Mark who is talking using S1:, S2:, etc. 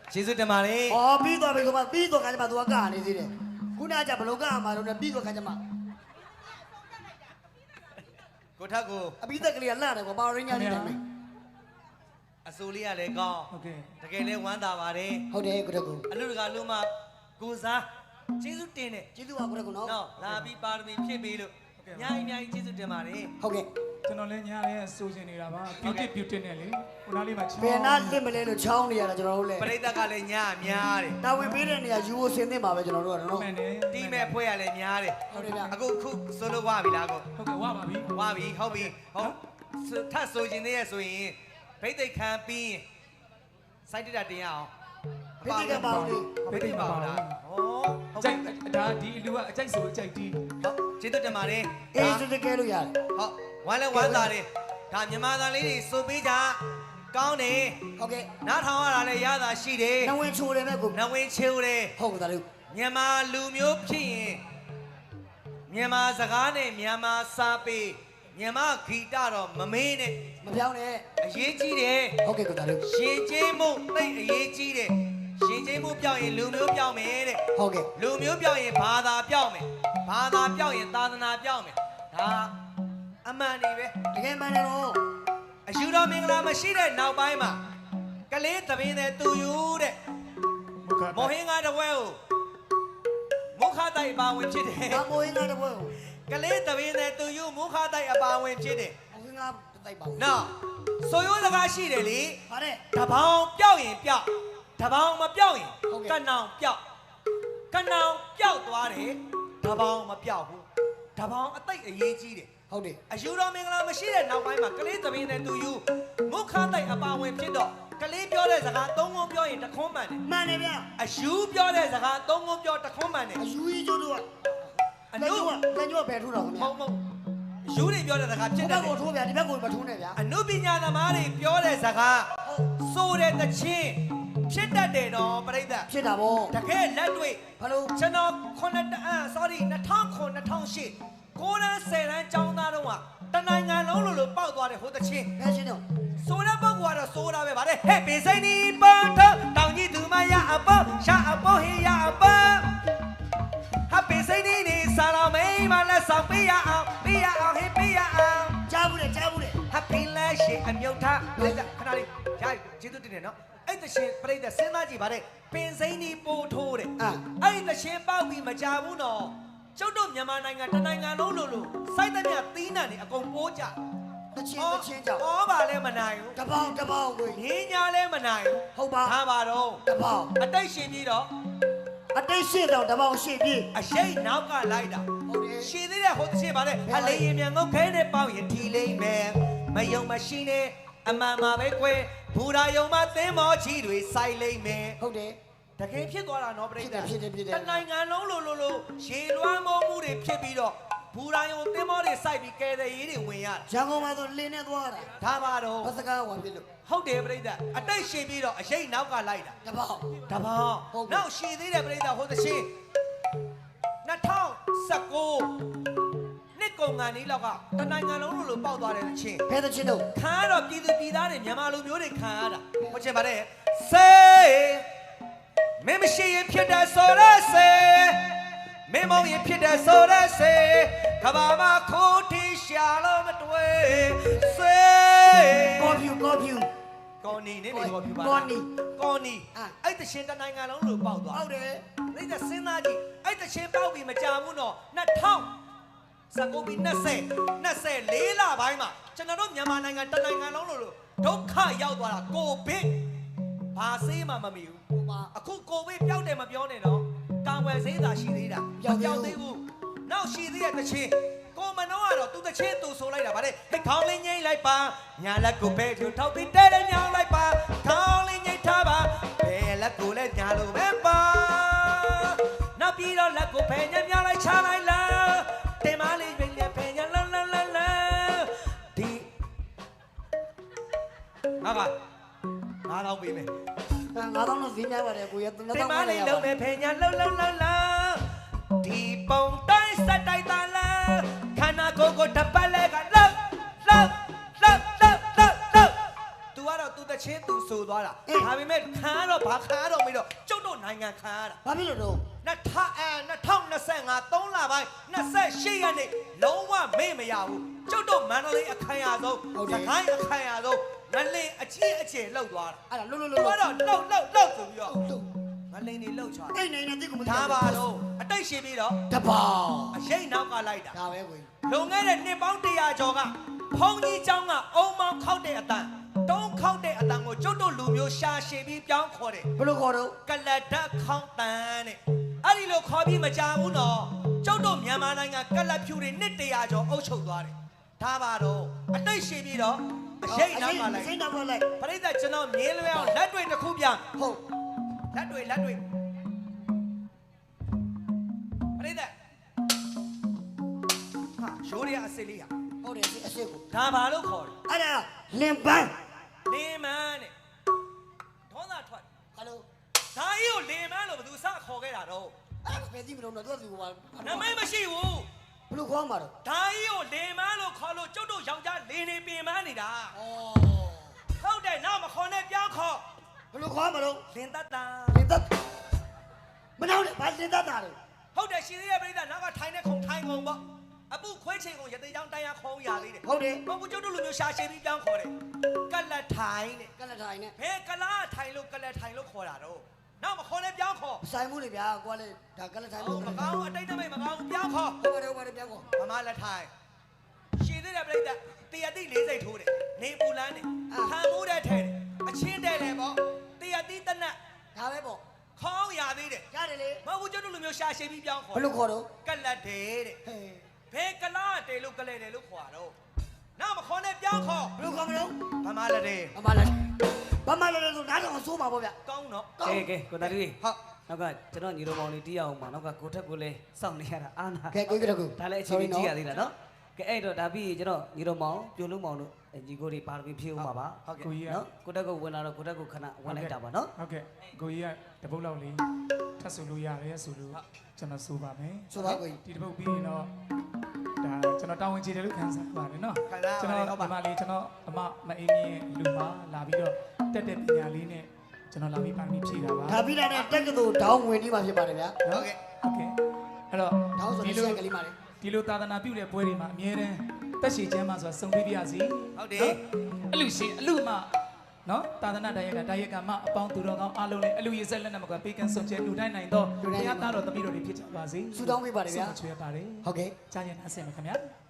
S1: ကျေးဇူးတင်ပါတယ်
S2: ။အော်ပြီးသွားပြီကမပြီးသွားခါကျမှ तू ကကနေသေးတယ်။ခုနကဘလို့ကမှာတော့ပြီးသွားခါကျမှ
S1: ကိုထက်ကို
S2: အပိသက်ကလေးကလှတယ်ကွာပါရင်းညာလေးတယ်မယ်
S1: အစိုးလေးကလည်းကောင်း
S3: ဟုတ်ကဲ့
S1: တကယ်လည်းဝမ်းသာပါတယ်
S2: ။ဟုတ်တယ်ကိုတကူ
S1: အလူတကာလူမကိုစားကျေးဇူးတင်တယ်
S2: ကျေးဇူးပါကိုတကူနော်
S1: နော်လာပြီးပါရမီဖြည့်ပေးလို့အများကြီးကျေးဇူးတင်ပါတယ်
S2: ဟုတ်ကဲ့
S3: ကျွန်တော်လည်းညာရဲစိုးချင်နေတာပါbeauty နဲ့လေခုနလေးမှာချောင်း
S2: ဘယ်နာလင့်မလဲလို့ချောင်းနေရတာကျွန်တော်တို့လည်း
S1: ပရိသတ်ကလည်းညာများတယ်
S2: တာဝန်ပေးတဲ့နေရာယူဖို့ဆင်းသင့်ပါပဲကျွန်တော်တို့ကနော်
S3: မှန်တယ်
S1: တီးမဲ့ဖွဲ့ရလည်းများတယ်
S2: ဟုတ်တယ်ဗျ
S1: အခုဆိုလို့ဝပြီလားကို
S3: ဟုတ်ကဲ့ဝပါပြီ
S1: ဝပြီဟုတ်ပြီဟုတ်ထပ်ဆိုခြင်းသေးရဲ့ဆိုရင်ဗိတ်သိက်ခံပြီးစိုက်တက်တာတင်ရအောင်
S2: ဖိတိကပေါင်းလေး
S1: ဗိတ်သိက်ပါလားဟော
S3: အကြိုက်ဒါဒီလူကအကြိုက်ဆိုအကြိုက်တီး
S1: ဟုတ်ကျေးဇူးတင်ပါတယ်
S2: အေးစစ်တကယ်လို့ရတယ်
S1: ဟုတ်ဝမ်းလဲဝမ်းသာတယ်ဒါမြန်မာသားလေးတွေဆိုပေးကြကောင်းတယ်
S2: ဟုတ်ကဲ့
S1: နားထောင်ရတာလည်းရတာရှိတယ်
S2: နဝင်ချိုတယ်မဲ့ကို
S1: နဝင်ချိုးတယ်
S2: ဟုတ်ကဲ့ဒါလို့
S1: မြန်မာလူမျိုးဖြစ်ရင်မြန်မာစကားနဲ့မြန်မာစာပေမြန်မာဂီတတော့မမေးနဲ့
S2: မပြောင်းနဲ့
S1: အရေးကြီးတယ်
S2: ဟုတ်ကဲ့ကိုဒါလို့
S1: ရှင်ကျေးမှုသိအရေးကြီးတယ်ရှင်ကျေးမှုပြောင်းရင်လူမျိုးပြောင်းမယ်တဲ့
S2: ဟုတ်ကဲ့
S1: လူမျိုးပြောင်းရင်ဘာသာပြောင်းမယ်ဘာသာပြောင်းရင်သာသနာပြောင်းမယ်ဒါအမှန်နေပဲ
S2: တကယ်မှန်တယ်နော်
S1: အယူတော်မင်္ဂလာမရှိတဲ့နောက်ပိုင်းမှာကလေးသမင်းတဲ့သူယူတဲ့မောဟင်းကားတစ်ဝဲကိုမုခတိုက်ပါဝင်ဖြစ်တယ်
S2: ဘာမိုးရင်းကားတော့
S1: ကလေးသမင်းတဲ့သူယူမုခတိုက်အပါဝင်ဖြစ်တယ်
S2: ဘုရားတိုက်ပါဦး
S1: နော်ဆိုရိုးစကားရှိတယ်လေ
S2: ဗါတဲ့
S1: တပေါင်းပြောက်ရင်ပြောက်တပေါင်းမပြောက်ရင်
S2: ဟုတ်ကဲ့
S1: ကနောင်ပြောက်ကနောင်ပြောက်သွားတယ်တပေါင်းမပြောက်ဘူးတပေါင်းအသိအရေးကြီးတယ်
S2: ဟုတ်တယ်
S1: အယူတော်မင်္ဂလာမရှိတဲ့နောက်ပိုင်းမှာကလေးသမီးနဲ့သူယူမုခတိုက်အပါဝင်ဖြစ်တော့ကလေးပြောတဲ့စကားသုံးခုပြောရင်တခွန်းမှန်တယ်
S2: မှန်တယ်ဗျ
S1: အယူပြောတဲ့စကားသုံးခုပြောတခွန်းမှန်တယ်
S2: အယူကြီးကျိုးတို့က
S1: အ
S2: လက်
S1: နု
S2: ညှိုးကလက်ညှိုးဘယ်ထိုးတော့ခင်ဗျာ
S1: မဟုတ်အယူတွေပြောတဲ့စကားဖြစ်
S2: ဒီ
S1: တ
S2: ဘ
S1: ယ်
S2: က်ကိုထိုးဗျာဒီဘက်ကိုမထိုးနဲ့ဗျာ
S1: အနုပညာသမားတွေပြောတဲ့စကားဆိုတဲ့တခြင်းဖြစ်တတ်တယ်တော့ပြိဿ
S2: ဖြစ်တာဗော
S1: တကယ်လက်တွေ့
S2: ဘာလို့
S1: ကျွန်တော်sorry 2009 2008ကိုရန်10တန်းကျောင်းသားတော့ကတနိုင်ငံလုံးလိုပေါက်သွားတယ်ဟိုတချင်း
S2: ဖက်ရှင်တော့
S1: ဆိုတဲ့ပုဂ္ဂိုလ်ကတော့ဆိုတာပဲဗါတဲ့ဟဲ့ပင်စိမ့်နီးပေါတော့တောင်ကြီးသူမရအပေါရှာအပေါဟေးရအပေါဟာပင်စိမ့်နီးနေစားတော်မိမလက်ဆောင်ပေးရအောင်ဟေးပေးရအောင်
S2: ကြားဘူးလေကြားဘူးလေ
S1: ဟာပင်လက်ရှိအမြုပ်ထားလိုက်ခဏလေးကြာကျေးဇူးတင်တယ်နော်အဲ့တရှင်ပြိတ္တစဉ်းစားကြည့်ဗါတဲ့ပင်စိမ့်နီးပို့ထိုးတဲ့အဲ့တရှင်ပေါက်ပြီးမကြဘူးနော်ကျုပ်တို့မြန်မာနိုင်ငံတနိုင်ငံလုံးလိုစိုက်တဲ့မြသီးနှံတွေအကုန်ပိုးကြ
S2: တချင်းကြောက်
S1: ဩပါလဲမနိုင်ဘူး
S2: တပေါင်းကို
S1: ငင်းညာလဲမနိုင်ဘူး
S2: ဟုတ်ပါ
S1: ဒါပါတော့
S2: တပေါင်း
S1: အတိတ်ရှင်ပြီးတော့
S2: အတိတ်ရှင်းတော့တပေါင်းရှင်းပြီ
S1: အရှိတ်နောက်ကလိုက်တာ
S2: ဟုတ်တယ်
S1: ရှင်သေးတဲ့ဟိုတစ်ချက်ပါလေအလေးရင်မြန်ငုတ်ခဲနဲ့ပေါင်းရင်ထီလိမ့်မယ်မယုံမရှိနဲ့အမှန်မှာပဲကွယ်ဘူရာယုံမှာသင်းမောချီတွေစိုက်လိမ့်မယ်
S2: ဟုတ်တယ်
S1: တကယ်ဖြစ်သွားတာနော်ပြိတ္တ
S2: ဖြစ်တယ်
S1: တနိုင်ငံလုံးလိုရေလွှမ်းမိုးမှုတွေဖြစ်ပြီးတော့ဘူရာယုံသင်းမောတွေစိုက်ပြီးကဲတဲ့ရေးတွေဝင်ရတာ
S2: ရန်ကုန်မှာဆိုလင်းနေသွားတာ
S1: ဒါပါတော့
S2: ဘစကားဝင်ပြီလို့
S1: ဟုတ်တယ်ပြိတ္တအတိတ်ရှင်ပြီးတော့အရှိတ်နောက်ကလိုက်တာ
S2: တပေါင်း
S1: တပေါင်း
S2: ဟုတ်ပြီ
S1: နောက်ရှည်သေးတယ်ပြိတ္တာဟိုသချင်း2019နှစ်ကုန်ကန်ဒီလောက်ကတနိုင်ငံလုံးလိုပေါက်သွားတဲ့သချင်း
S2: ဖဲတဲ့ချင်းတို့
S1: ခံရတော့ပြည်သူပြည်သားတွေမြန်မာလူမျိုးတွေခံရတာဟုတ်ချင်ပါတယ်စေမင်းမရှိရင်ဖြစ်တဲ့ဆိုရစေမင်းမောင်ရင်ဖြစ်တဲ့ဆိုရစေကဘာမခိုးတီရှာလို့မတွေ့စေ
S2: ကော်ဖြူ
S1: ကော်နီနေနေကော်ပြပါ
S2: ကော်နီ
S1: ကော်နီအဲ့တရှင်တနိုင်ငံလုံးလိုပေါက်သွား
S2: ဟုတ်တယ်
S1: ပြိတ္တစဉ်းစားကြည့်အဲ့တချင်းပေါက်ပြီးမကြဘူးနော်2019ပြီး24လပိုင်းမှာကျွန်တော်တို့မြန်မာနိုင်ငံတနိုင်ငံလုံးလိုဒုက္ခရောက်သွားတာကိုဗစ်ဘာဆေးမှမမီဘူး
S2: ဟိုမှာ
S1: အခုကိုဗစ်ပျောက်တယ်မပြောနဲ့နော်ကာဝယ်ဆေးသာရှိသေးတာ
S2: ပျောက်သေးဘူး
S1: သေးဘူးနောက်ရှိသေးတဲ့တချင်းကိုမနှောကတော့သူတချင်းသူဆိုလိုက်တာဗါတဲ့ဟဲ့ခေါင်းလေးငိမ့်လိုက်ပါညာလက်ကိုပဲထူထောက်ပြီးတဲတဲ့ညောင်းလိုက်ပါခေါင်းလေးငိမ့်ထားပါဘယ်လက်ကိုလဲညာလိုပဲပါနောက်ပြီးတော့လက်ကိုဖယ်ညံ့မြောင်းလိုက်ချလိုက်လားတင်မလေးပြင်လေဖယ်ညံ့လာဒီဟာက9000ပေးမယ်
S2: 9000လို့ဈေးများပါတယ်ကိုရ
S1: တင်
S2: 3000
S1: မ
S2: ပါလေ
S1: လေးလုံးမယ်ဖယ်ညံ့လှဒီပုံတိုင်းစက်တိုက်တာလားခန္ဓာကိုယ်ကိုတပတ်လဲကလှ तू ကတော့ तू တချင်းသူဆိုသွားတာဒါပေမဲ့ခံရတော့ဘာခံရတော့မေးတော့ကျုပ်တို့နိုင်ငံခံရတာ
S2: ဘာဖြစ်လို့တော့
S1: 2025 3လပိုင်း28ရက်နေ့လုံးဝမေ့မရဘူးကျုပ်တို့မန္တလေးအခမ်းအနားဆုံးစကိုင်းအခမ်းအနားဆုံးငလင်အချင်းအကျယ်လှုပ်သွားတာ
S2: အဲ့ဒါလှုပ်
S1: တော့လှုပ်ဆိုပြီးတော့ငလင်တွေလှုပ်ချတာ
S2: တိတ်နေနေတိတ်ကိုမ
S1: ဒါပါတော့အတိတ်ရှိပြီးတော့
S2: တပေါင်း
S1: အရေးနောက်ကလိုက်တာ
S2: ဒါပဲကို
S1: လွန်ခဲ့တဲ့နှစ်ပေါင်း100ကျော်ကဘုံကြီးเจ้าကအုံမောင်းခောက်တဲ့အတန်တုံးခောက်တဲ့အတန်ကိုကျုပ်တို့လူမျိုးရှာရှည်ပြီးပြောင်းခေါ်တယ်
S2: ဘယ်လိုခေါ်တော့
S1: ကလတ်တက်ခေါင်းတန်တဲ့အဲ့ဒီလိုခေါ်ပြီးမကြဘူးနော်ကျုပ်တို့မြန်မာနိုင်ငံကလတ်ဖြူတွေနှစ်100ကျော်အုပ်ချုပ်သွားတယ်ဒါပါတော့အတိတ်ရှိပြီးတော့အရေးနောက်ကလိုက်
S2: စိတ်နောက်ကလိုက်
S1: ပရိသတ်ကျွန်တော်မြင်လွယ်အောင်လက်တွေတစ်ခုပြန်
S2: ဟုတ်
S1: လက်တွေပရိသတ်ဟာရိုးရအစစ်လေးဟာ
S2: ဟုတ်တယ်အစ်စ်ကို
S1: ဒါဘာလို့ခေါ်လဲ
S2: အဲ့ဒါလင်ပန်း
S1: လင်မန်းတဲ့ဒေါသထွက်
S2: ဟယ်လို
S1: ဒါကြီးကိုလင်မန်းလို့ဘယ်သူစခေါ်ခဲ့တာတော့
S2: အဲ့ဒါပဲသိမလို့တော့သူကသူက
S1: နမိတ်မရှိဘူး
S2: ဘယ်လိုခေါ်မှာတော့
S1: ဒါကြီးကိုလင်မန်းလို့ခေါ်လို့ကျုပ်တို့ယောက်ျားလင်နေပင်မန်းနေတာ
S2: ဩ
S1: ဟုတ်တယ်နောက်မခေါ်နဲ့ပြောင်းခေါ်
S2: ဘယ်လိုခေါ်မှာတော့
S1: လင်တတ်တာ
S2: လင်သက်မနောက်နဲ့ဘာလင်သက်တာလဲ
S1: ဟုတ်တယ်ရှင်သေးရဲ့ပြိဿနောက်ကထိုင်နေခုံထိုင်ကုန်ပေါ့အပုခွေးချိန်ကိုရသေးချောင်းတိုင်းရခေါင်းရလေးတဲ့
S2: ဟုတ်တယ်
S1: ဘုံကကျုပ်တို့လူမျိုးရှာရှည်ပြီးပြောင်းခေါ်တယ်ကလတ်ထိုင်တဲ့
S2: ကလထိုင်နဲ့
S1: ဘယ်ကလားထိုင်လို့ကလတ်ထိုင်လို့ခေါ်တာတော့နောက်မခေါ်နဲ့ပြောင်းခေါ်
S2: ဆိုင်မှုလေဗျာကိုကလေဒါကလထိုင်
S1: ဟုတ်မကောင်းအတိတ်တမိတ်မကောင်းပြောင်းခေါ်
S2: ဟုတ်ပါတယ်ပြောင်းခေါ်
S1: မမလက်ထိုင်ရှင်သေးတဲ့ပြိဿတရတိလေးစိတ်ထိုးတယ်နေပူလန်းတယ်ခံမှုတဲ့ထဲတယ်အချင်းတဲ့တယ်ပေါ့တရတိတနတ်
S2: ဒါပဲပေါ့
S1: ခေါင်းရသေးတယ်
S2: ရတယ်လေ
S1: မဟုတ်ဘူးကျုပ်တို့လူမျိုးရှာရှည်ပြီးပြောင်းခေါ်
S2: ဘယ်လိုခေါ်တော့
S1: ကလတ်တယ်တဲ့
S2: ဟဲ့
S1: ဘယ်ကလားတယ်လို့ကလဲတယ်လို့ခေါ်တော့နောက်မခေါ်နဲ့ပြောင်းခေါ်
S2: ဘယ်လိုခေါ်မလို့
S1: ဗမာလက်တယ်
S2: ဘာမှလည်းဘာမှလည်းဆိုနားတော့ဆိုးမှာပေါ့ဗျ
S1: ကောင်းတော့
S4: ကဲကိုသားလေး
S1: ဟုတ်
S4: နောက်ကကျွန်တော်ညီတော်မောင်လေးတီးရအောင်ပါနောက်ကကိုထက်ကိုလည်းစောင့်နေရတာအာနာ
S2: ကဲကိုကြီးက
S4: ဒါလည်းအချိန်ကြီးကြည့်ရသေးလားနော်ကဲအဲ့တော့ဒါပြီးကျွန်တော်ညီတော်မောင်ပြိုလုံးမောင်တို့ညီကိုတွေပါရမီဖြည့်ဦးမှာပါ
S3: ကိုကြီးက
S4: နော်ကိုတက်ကိုဝင်လာတော့ကိုတက်ကိုခဏဝင်လိုက်တာပါနော်
S3: ဟုတ်ကဲ့ကိုကြီးကတပုတ်လောက်လေးထပ်ဆိုလို့ရတယ်ဆိုလို့ကျွန်တော်ဆိုပါမယ်
S2: ဆိုပါကိုကြီး
S3: ဒီတပုတ်ပြီးရင်တော့ဒါကျွန်တော်တာဝန်ကျေတယ်လို့ခံစားပါတယ်နော်
S1: ခဏ
S3: ကျွန်
S1: ပါ
S3: တော်
S1: ဟုတ်ပါ
S3: ဒီမှာလေးကျွန်တော်အမအေးမြင့်လူမလာပြီးတော့တက်တဲ့ပညာလေးနဲ့ကျွန်တော်လာပြီးပါမီဖြည့်တာပါ
S2: ဒါပြီးတဲ့တက်ကတူဒေါင်းဝင်ပြီးမှဖြစ်ပါတယ်ဗျာ
S1: ဟုတ်ကဲ့
S3: ဟုတ်ကဲ့အဲ့တော့
S2: ဒေါင်းဆို
S3: ဒီ
S2: တဲ့
S3: လို
S2: ဆက်ကလေးပါလေ
S3: ဒီလိုသာသနာပြုတဲ့ပွဲတွေမှာအမြဲတမ်းတက်ရှိချမ်းမှဆိုတာစုံပေးပြရစီ
S1: ဟုတ်တယ်
S3: အလူရှင်အလူမနော်သာသနာတရားကတရားကမအပေါင်းသူတော်ကောင်းအားလုံးလည်းအလူရည်ဆက်လက်နဲ့မကွာပေးကမ်းဆုံးကျဲလူတိုင်းနိုင်တော့ဘုရားသားတော်တပည့်တော်တွေဖြစ်ကြပါစေ
S2: ဆူတောင်းပေးပါတယ်ဗျာ
S3: ဆုမချွေပါတယ်
S2: ဟုတ်ကဲ့
S3: ကြားရင်အဆင်မခင်ဗျာ